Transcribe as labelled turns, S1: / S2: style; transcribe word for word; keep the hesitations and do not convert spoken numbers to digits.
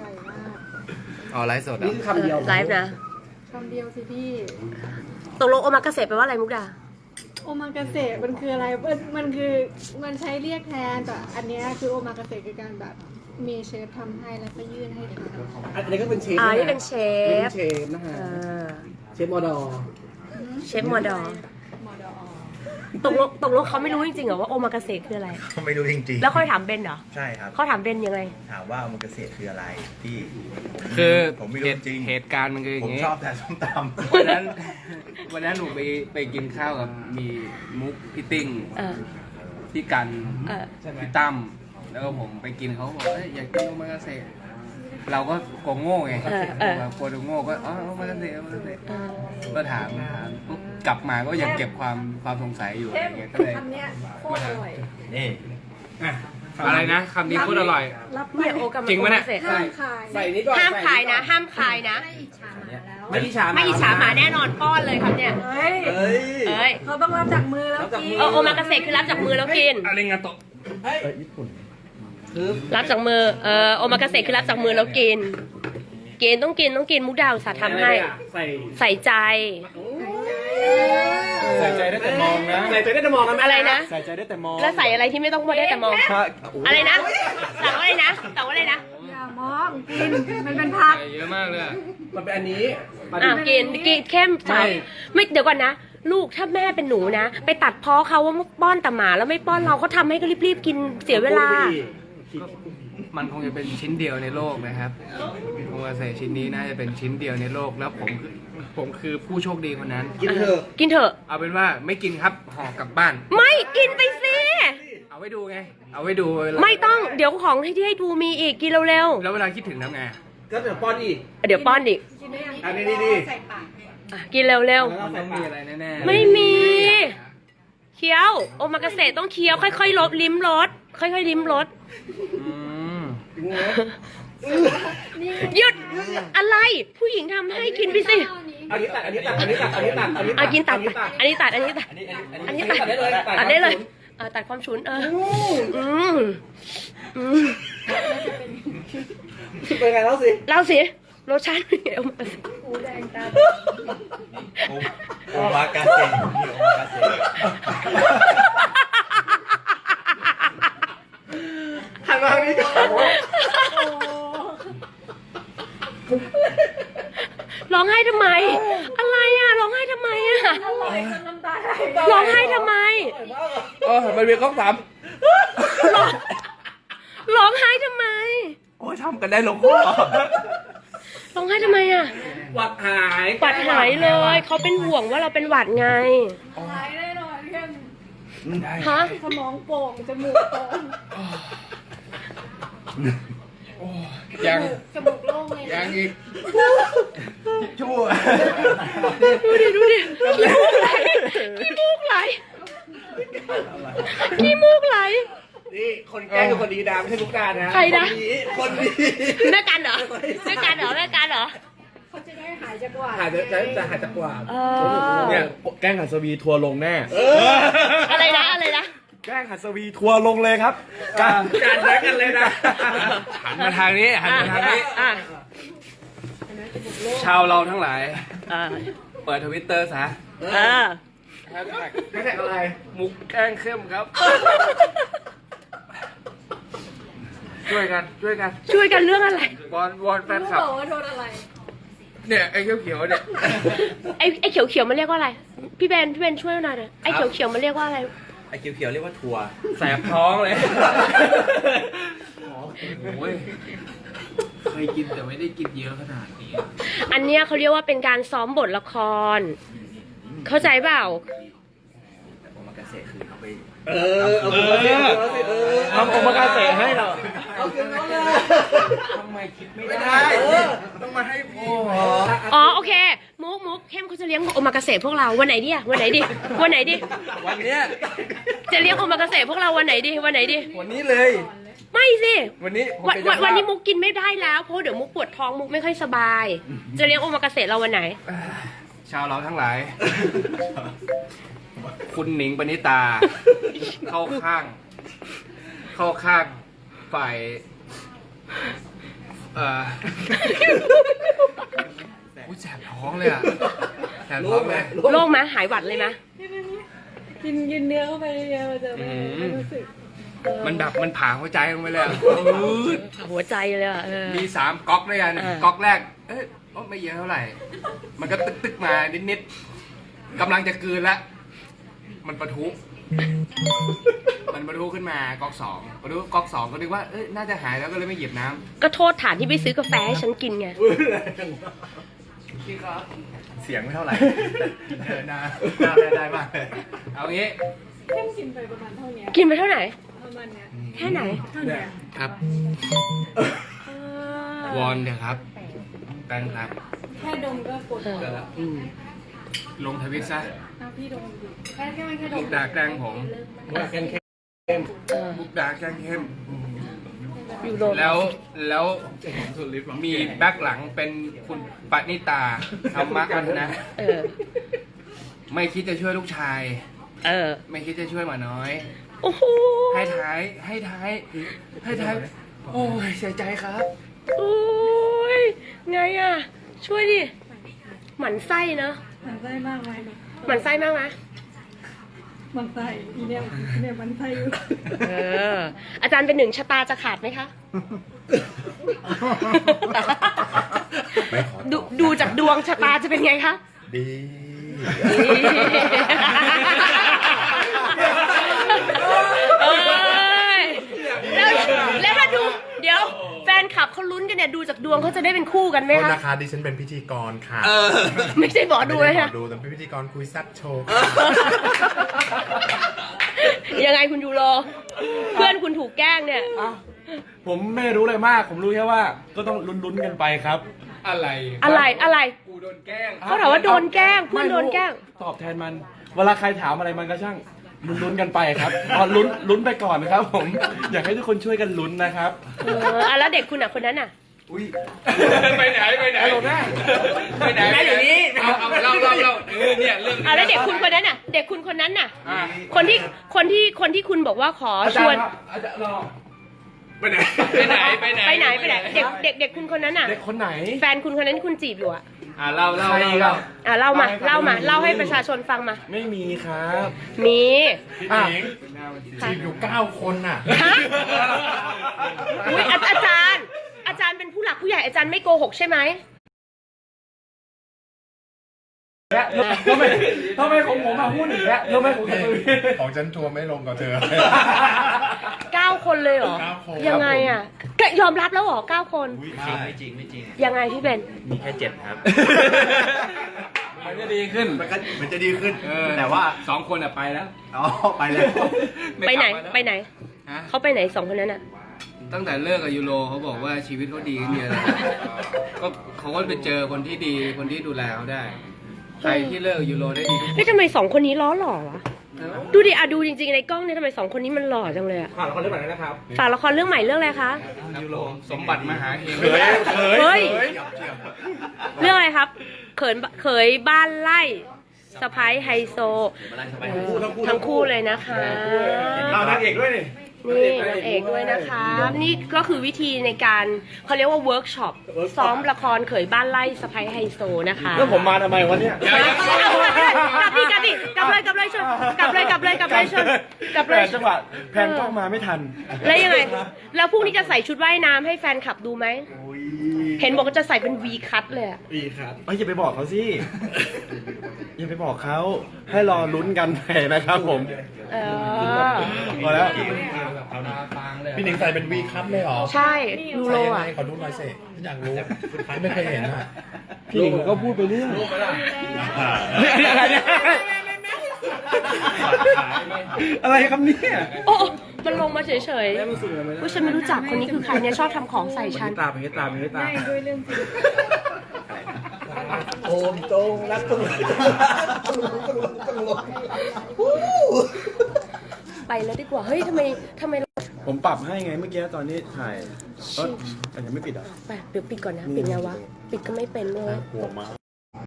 S1: ร่อยมาก
S2: อ๋อไลฟ์สด
S3: นี่คือคำเดียว
S4: ไลฟ์นะ
S1: คำเดียวสิพี่
S4: ตกลงโอมากาเสะแปลว่าอะไรมุกดา
S1: โอมากาเสะมันคืออะไรมันมันคือมันใช้เรียกแทนแต่อันเนี้ยคือโอมากาเสะคือการแบบมีเชฟทำให้แล้วก็ยื่นให้ทาน
S3: อันนี้ก็เป็นเชฟ
S4: อ่านี่เป็นเชฟ
S3: เป็นเชฟนะฮะ
S4: เออ
S3: เชฟมอดอ
S4: เชฟมอดอ
S1: มอดอ
S4: ตกลงตกลงเขาไม่รู้จริงๆเหรอว่าโอมากาเสะคืออะไร
S2: เขาไม่รู้จริงๆ
S4: แล้วค่อยถามเบนเหรอ
S2: ใช่ครับ
S4: เขาถามเบนยังไง
S2: ถามว่าโอมากาเสะคืออะไรพี่
S5: คือ
S2: ผมไม่รู้จริง
S5: เหตุการณ์มันคืออ
S2: ผ
S5: ย่าม งนี้
S2: ชอบแต่ส้มตำ
S5: วันนั้นวันนั้นหนูไปไปกินข้าวกับมีมุกพี่ติ้ง
S4: เออ
S5: พี่กัน
S4: เออ
S5: พี่ตั้มแล้วก็ผมไปกินเขาบอกเอ้ยอยากกินโอมากาเสะเราก็โกงโง่ไง
S4: เออเออ
S5: เรากลัวโดนโง่ก็อ๋อโอมากาเสะโอมากาเสะ
S4: เออ
S5: ก็ถามถามปุ๊บกลับมาก็ยังเก็บความความสงสัยอยู่อะไรเงี้ยก็เลย
S1: คำเนี้ยโคตรอร่อย
S2: นี่
S5: อ่ะอะไรนะคำนี้โคตรอร่อย
S1: รับ
S4: เนี่ยโอกา
S5: จริงปะเนี่ย
S4: โอมากาเสะ
S1: ห้ามขาย
S3: ใส่นี่ก่อน
S4: ห้ามขายนะ
S3: ใส่
S4: ห้ามขายนะ
S3: ไม่อิจฉา
S4: ไม่อิจฉาหมาแน่นอนป้อนเลยครับเนี่ย
S1: เฮ้ย
S3: เฮ้ย
S4: เอ้ย
S1: เขาต้องรับจากมือแล้วกิน
S4: เออโอมากาเสะคือรับจากมือแล้วกิน
S5: อะไรงานโตะ
S3: เฮ้ยญี่ปุ่นคือ
S4: รับจากมือ เออโอมากาเสะคือรับจากมือแล้วกิน กินต้องกินต้องกินมุกดาวสาห์ทำให้
S3: ใส่
S4: ใส่ใจ
S5: ใส่ใจได้แต่มองนะ
S3: ใส่ใจได้แต่มองนะแม่
S4: อะไรนะ
S5: ใส่ใจได้แต่มอง
S4: แล้วใส่อะไรที่ไม่ต้องพูดได้แต่มอง อะไรนะสั่งว่าอะไรนะสั่งว่าอะไรนะ
S1: อย่ามองกินมันเป็นผัก
S5: ใส่เยอะมากเลยอะ
S3: มันเป็นอันนี้มัน
S4: อ่ะกินกินเข้มสาวไม่เดี๋ยวก่อนนะ ลูกถ้าแม่เป็นหนูนะ ไปตัดพ้อเขาว่าป้อนแต่หมาแล้วไม่ป้อนเราเขาทำให้ก็รีบๆกินเสียเวลา
S5: มันคงจะเป็นชิ้นเดียวในโลกนะครับโอมากาเสะชิ้นนี้น่าจะเป็นชิ้นเดียวในโลกแล้วผมคือผมคือผู้โชคดีคนนั้น
S3: กินเถอะ
S4: กินเถอะ
S5: เอาเป็นว่าไม่กินครับห่อกลับบ้าน
S4: ไม่กินไปสิ
S5: เอาไว้ดูไง เอาไว้ดูเวลา
S4: ไม่ต้องเดี๋ยวของที่ให้ดูมีอีกกินเร็ว
S5: แล้วเวลาคิดถึงทำไง
S3: ก็เดี๋ยวป้อนอีก
S4: ๆเดี๋ยวป้อนอีก
S1: กินได้ยัง
S3: อันนี้ดีดี
S1: ใส่ปาก
S4: อ่ะกินเร็ว
S3: แล้ว
S5: มัน
S3: ใส่
S5: ต้อง
S3: ปา
S5: มี
S3: ก
S5: อะไรแน่
S4: ๆ
S5: ๆ
S4: ไม่มีเคี้ยวโอมากาเสะต้องเคี้ยวค่อยๆลดลิ้มรสค่อยๆลิ้มรส
S5: อืม
S4: หยุดอะไรผู้หญิงทำให้กินไปสิ
S3: อันนี้ตัดอันนี้ตัดอันนี้ตัดอันนี้ตัดอันนี้ตั
S4: อ่ะ
S3: ด
S4: กินตัดอันนี้ตัดอันนี้ตัด
S2: อันนี้อันนี้
S4: อันนี้
S3: ตั
S4: ตั
S3: ด
S4: ด
S3: ได้เลย
S4: ตัดได้เลยเออตัดความฉุนเอออืมอืม
S3: เป็นไงแล้วสิ
S4: เล่าสิรสชาติเป็นไงโอมากาเสะ
S1: หูแดงตา
S2: โอโอมากาเสะนี่โอมากาเสะ
S3: หันมาทางนี้ก่อน
S4: ร้องไห้ทำไม อะไรอ่ะร้องไห้ทำไมอ่ะ
S1: อร่อยจนน้ำตาไหล
S4: ร้องไห้ทำไม
S3: เออมันเป็นข้อสาม
S4: ร้องร้องไห้ทำไม
S2: โอ้ยทำกันได้ลงคอ
S4: ร้องไห้ทำไมอ่ะ
S3: หวัดหาย
S4: หวัดหายเลยเขาเป็นห่วงว่าเราเป็นหวัดไง
S1: หายแน่นอนเพื่อน
S4: ฮะ
S1: สมองโป่งจมูกโป่ง
S5: ยัง
S1: จมูกโล่งเลย
S5: ยังอีก
S2: ชั่ว
S4: ดูดิดูดิขี้มูกไหลขี้มูกไหลขี้มูกไหล
S3: นี่คนแกล้งคือคนดีดาไม่ใช่ลูกดานะ
S4: ใครนะ
S3: คนดี
S4: แม่กันเหรอแม่กันเหรอแม่กันเหรอ
S1: เขาจะได้หายจากหวัด
S3: หายจะจะจะหายจากกว่า
S4: เออ
S2: เนี่ยแกล้งหัสวีทัวร์ลงแน่
S4: อะไรนะอะไรนะ
S2: แกล้งหัสวีทัวร์ลงเลยครับการ
S3: การแย่งกันเลยนะ
S5: หันมาทางนี้หันมาทางนี้
S4: อ่ะ
S5: ชาวเราทั้งหลาย
S4: อ่ะ
S5: เปิดทวิตเตอร์ซะ
S4: อ่ะ
S5: แฮชแท็ก
S3: ไม่ใช่อะไร
S5: มุกแกล้งเข้มครับ ช่วยกันช่วยกัน
S4: ช่วยกันเรื่องอะไร
S5: วอนวอนแฟน
S1: รู้
S5: คลับ
S1: บอกว่าโดนอะไร
S5: เนี่ยไอ้เขียวๆเนี่ย
S4: ไอ้ไอ้เขียวเขียวๆมันเรียกว่าอะไร พี่เบนพี่เบนช่วยหน่อยเถอะไอ้เขียวเขียวๆมันเรียกว่าอะไร
S2: ไอ้เขียวๆเรียกว่าทัวร์
S5: แสบท้องเลยโอ้ยเคยกินแต่ไม่ได้กินเยอะขนาดนี้
S4: อันเนี้ยเขาเรียกว่าเป็นการซ้อมบทละคร เข้าใจเปล่า
S2: แต่โอมากาเสะคือเอาไป
S3: เออเอาผมมาสิเอาสิเออ
S2: ทำโอมากาเสะให้เรา
S3: เอาคืนน้องเลย
S5: ทำไมคิดไม่
S2: ไม่
S5: ได้
S2: ได้ต้องมาให้พี่
S4: อ๋อโอเค มุกมุกเข้มเขาจะเลี้ยงโอมากาเสะพวกเราวันไหนดีอะวันไหนดีวันไหนดี
S2: วันเนี้ย
S4: จะเลี้ยงโอมากาเสะพวกเราวันไหนดีวันไหนดี
S2: วันนี้เลย
S4: ไม่สิ
S2: วันนี้ผม
S4: วัน
S2: เป็น
S4: วัน
S2: เจ้า
S4: วันนี้
S2: ภาพ
S4: มุกกินไม่ได้แล้วเพราะเดี๋ยวมุกปวดท้องมุกไม่ค่อยสบาย จะเลี้ยงโอมากาเสะเราวันไหน
S5: ชาวเราทั้งหลาย คุณหนิงปณิตา เข้าข้าง เข้าข้างฝ่ายเอออุ้ยแสบท้องเลยอ่ะแสบท้องเลย
S4: โล่งไหมหายหวัดเลยไหม
S1: กินกินเนื้อเข้าไปเยอะๆมันจะไม่ไม่รู้สึก
S5: มันแบบมันผ่าหัวใจลงไปเลยอะ
S4: หัวใจเลยอ่ะเออ
S5: มีสามก๊อกด้วยกัน
S4: อ่า
S5: ก๊อกแรก เอ้ยโอ้ไม่เยอะเท่าไหร่ มันก็ตึกตึกๆมานิดๆกำลังจะกลืนละมันปะทุ มันปะทุขึ้นมาก๊อกสองปะทุก๊อกสองก็นึกว่าเอ้ยน่าจะหายแล้วก็เลยไม่หยิบน้ำ
S4: ก็โทษฐานที่ไปซื้อกาแฟให้ฉันกินไง
S5: พี่ครับ
S2: เสียงไม่เท่าไหร่เดินหน้าหน้าได้มากเลย
S5: เอางี้
S1: เข้มกินไปประมาณเท่านี้
S4: กินไปเท่าไหร่
S1: ประมาณเนี้ย
S4: แค่ไหน
S1: เท่านี้
S5: ครับ วอนเถอะครับแฟนครับ
S1: แค่ดมก็ปวดหัวแล้ว
S5: อืมลงทวิตซะ
S1: เอาพี่ดมดูแค่แค่ไม่แค่ด
S5: มุ
S1: ม
S5: กดาแกล้งผม
S3: ว่าแค่แค่
S4: เออ
S5: มุกดาแกล้งเข้ม
S4: อยู่โดน
S5: แล้วแล้วมีแบ็คหลังเป็นคุณปณิตาธรรมะกันนะ
S4: เออ
S5: ไม่คิดจะช่วยลูกชาย
S4: เออ
S5: ไม่คิดจะช่วยหมาน้อย
S4: โอ้โห
S5: ให้ท้ายให้ท้ายให้ท้ายโอ้ยเสียใจครับ
S4: โอ้ยไงอ่ะ ช่วยดิ หมันไส้เนอะ
S1: มันไส้มากไหม
S4: หมันไส้มากไหม
S1: มันไส้อีเนี่ยอีเนี่ยมันไส้อยู่
S4: เออ อาจารย์เป็นหนึ่งชะตาจะขาดไหมคะ
S2: ไม่ขอ
S4: ดูดูจากดวงชะตาจะเป็นไงคะ
S2: ดี
S4: เอ้ยแล้วแล้วถ้าดูเดี๋ยวแฟนคลับเขาลุ้นกันเนี่ยดูจากดวงเขาจะได้เป็นคู่กันไหม
S6: โทษ
S4: คะ
S6: นะคะดิฉันเป็นพิธีกรค่ะ
S4: ไม่ใช่หมอดู
S6: ไม่
S4: เลย
S6: ได้
S4: ค่ะ
S6: หมอดูแต่เป็นพิธีกรคุยแซับโชว์
S4: ยังไงคุณยูโร เพื่อนคุณถูกแกล้งเนี่ย
S7: ผมไม่รู้อะไรมาก ผมรู้แค่ว่าก็ต้องลุ้นๆกันไปครับ
S5: อะไร
S4: อะไรอะไร
S5: กูโดนแกล้ง
S4: เขาถามว่าโดนแกล้งเพื่อนโดนแกล้ง
S7: ตอบแทนมัน เวลาใครถามอะไรมันก็ช่างลุ้นๆกันไปครับอ๋อลุ้นลุ้นไปก่อนครับ ผม อยากให้ทุกคนช่วยกันลุ้นนะครับ
S4: เอออ่ะแล้วเด็กคุณอ่ะคนนั้นอ่ะ
S5: อุ้ยไปไหนไปไหนไปไหนไปไหนอยู่นี่เอาเอาเล่าเล่าเล่าเออเนี่ยเรื่องนี้
S4: อ่ะแล้วเด็กคุณคนนั้นอ่ะ เด็กคุณคนนั้นน่ะ
S5: อ่ะ
S4: คนที่คนที่คนที่คุณบอกว่าขอ
S7: อา
S4: ช
S7: จาร
S4: วน
S7: ย์ครับอาจารย์รอ
S5: ไปไหนไปไหนไปไหน
S4: ไปไหนไปไหน เด็กเด็กเด็กคุณคนนั้นอ่ะ
S7: เด็กคนไหน
S4: แฟนคุณคนนั้นที่คุณจีบอยู่อ่ะ
S5: อ่ะเล่าเล่า
S7: ใคร
S5: เล่า
S7: ครับ
S4: อ่ะเล่ามา
S7: เล่า
S4: เล่า
S7: ให้
S4: มา
S7: ฟัง
S4: เล่าให้ประชาชนฟังมา
S7: ไม่มีครับ
S4: มี
S7: อ่ะ
S6: จีบอยู่เก้าคนน่ะ
S4: ฮะอุ้ยอาอาจารย์ อาจารย์เป็นผู้หลักผู้ใหญ่อาจารย์ไม่โกหกใช่ไหม
S7: และทำไมทำไมของผมมาพูดอีกแล้วทำไมของผม
S6: ของฉันทัวร์ไม่ลงกับเธอ
S4: เก้าคนเลยเหรอ
S6: เก้าคน
S4: ยังไงอ่ะแกยอมรับแล้วเหรอเก้าคน
S2: ไม่จริงไม่จริง
S4: ยังไงพี่เบน
S2: มีแค่เจ็ดครับ
S5: มันจะดีขึ้น
S2: มันก็มันจะดีขึ้น
S5: เออ
S2: แต่ว่า
S5: สองคนอ่ะไปแล้ว
S2: อ๋อไปแล้ว
S4: ไปไหน
S5: ม่กลับมาแล้ว
S4: ไปไหน
S5: ฮะ
S4: เขาไปไหนสองคนนั้นอ่ะ
S5: ตั้งแต่เลิกกับยูโรเขาบอกว่าชีวิตเขาดีขึ้นเยอะเลยก็เขาก็ไปเจอคนที่ดีคนที่ดูแลเขาได้ ใครที่เลิกกับยูโรได้ดีทุกคน
S4: เฮ้ยทำไมสองคนนี้ล้อหล่อวะ ดูดิอะดูจริงๆในกล้องเนี่ยทำไมสองคนนี้มันหล่อจังเลยอะ
S3: ผ่านละครเรื่องใหม่แล้วนะครับ
S4: ฝากละครเรื่องใหม่เรื่องอะไรคะ
S5: ยูโรสมบัติมหาเฮง
S7: เขยเขย
S4: เฮ้ย
S7: เขย
S4: เรื่องอะไรครับ เขินเขยบ้านไล่สะพ้ายไฮโซ ทั้งคู่เลยนะคะ
S3: เอานางเอกด้วยนี่
S4: นี่นางเอกด้วยนะคะ นี่ก็คือวิธีในการเขาเรียกว่าเวิร์กช็อปซ้อมละครเขยบ้านไล่สะพ้ายไฮโซนะคะ
S7: แล้วผมมาทำไมวะเนี่ย
S5: เดี๋ยวเดี๋ยว
S4: กลับดิกลับดิกลับเลยกลับเลยชนกลับเลยกลับเลยกลับเลยชนกลับเลย
S7: แต่จังหวะแพนกล้องมาไม่ทัน
S4: แล้วยังไง แล้วพรุ่งนี้จะใส่ชุดว่ายน้ำให้แฟนคลับดูไหม เห็นบอกว่าจะใส่เป็น V คัทเลยอะ
S7: ดีครับเอ้ยอย่าไปบอกเขาสิ อย่าไปบอกเขาให้รอลุ้นกันไปนะครับผม
S4: เออ
S7: พอแล้ว
S5: เอาตาฟางเลย
S6: พี่หนิงใส่เป็นวีคัพเลยเหรอ
S4: ใช่ยูโร
S6: ใส่ยังไง
S4: อ่ะ
S6: ขอดูหน่อยสิฉันอยากรู้ไม่เคยเห็นอ่ะ
S7: พี่หนิงก็พูดไปเรื่อย
S6: เฮ้ย
S7: อะไรเนี่ยอะไรครับเนี่ย
S4: โอ้ มันลงมาเฉยๆอุ้ยฉันไม่รู้จักคนนี้คือใครเนี่ยชอบทำของใส่ฉัน
S3: ตาเป็นตาเป็นตา
S1: ได้ด้วยเรื่องจริง
S3: โอมตรงรักตรง
S4: ไปแล้วดีกว่า เฮ้ยทำไมทำไม
S7: ผมปรับให้ไงเมื่อกี้ตอนนี้ถ่ายเอ้ยแต่ยังไม่ปิดอ่ะ
S4: ไปเดี๋ยวปิดก่อนนะ ปิดไงวะ ปิดก็ไม่เป็นเลย
S6: กลัวมาก